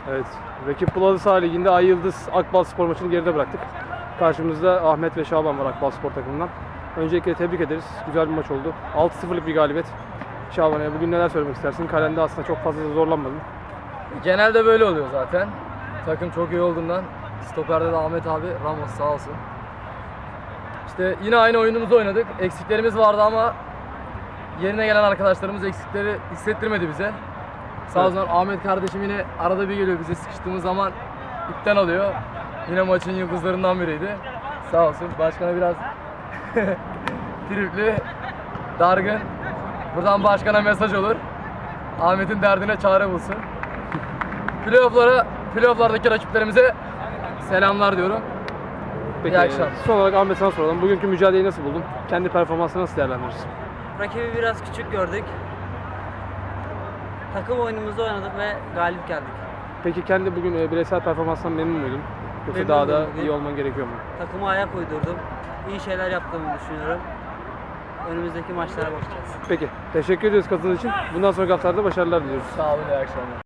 Evet, rakip Bulalı Sağ Ligi'nde Ay Yıldız Akbalspor maçını geride bıraktık. Karşımızda Ahmet ve Şaban var Akbalspor takımından. Öncelikle tebrik ederiz. Güzel bir maç oldu. 6-0'lık bir galibiyet. Şaban'a bugün neler söylemek istersin? Kalende aslında çok fazla da zorlanmadın. Genelde böyle oluyor zaten. Takım çok iyi olduğundan. Stoperde de Ahmet abi, Ramos sağ olsun. İşte yine aynı oyunumuzu oynadık. Eksiklerimiz vardı ama yerine gelen arkadaşlarımız eksikleri hissettirmedi bize. Sağ olsun Ahmet kardeşim yine arada bir geliyor, bize sıkıştığımız zaman ipten alıyor. Yine maçın yıldızlarından biriydi. Sağ olsun. Başkana biraz tripli, dargın. Buradan başkana mesaj olur. Ahmet'in derdine çare bulsun. Playoff'lardaki rakiplerimize selamlar diyorum. Peki, İyi akşamlar. son olarak Ahmet sana soralım. Bugünkü mücadeleyi nasıl buldun? Kendi performansını nasıl değerlendirirsin? Rakibi biraz küçük gördük. Takım oyunumuzu oynadık ve galip geldik. Peki kendi bugün bireysel performansından memnun muydun? Yoksa Memnunum daha da bugün. iyi olman gerekiyor mu? Takıma ayak uydurdum. İyi şeyler yaptığımı düşünüyorum. Önümüzdeki maçlara bakacağız. Peki, teşekkür ediyoruz katıldığınız için. Bundan sonraki haftalarda başarılar diliyoruz. Sağ olun, iyi akşamlar.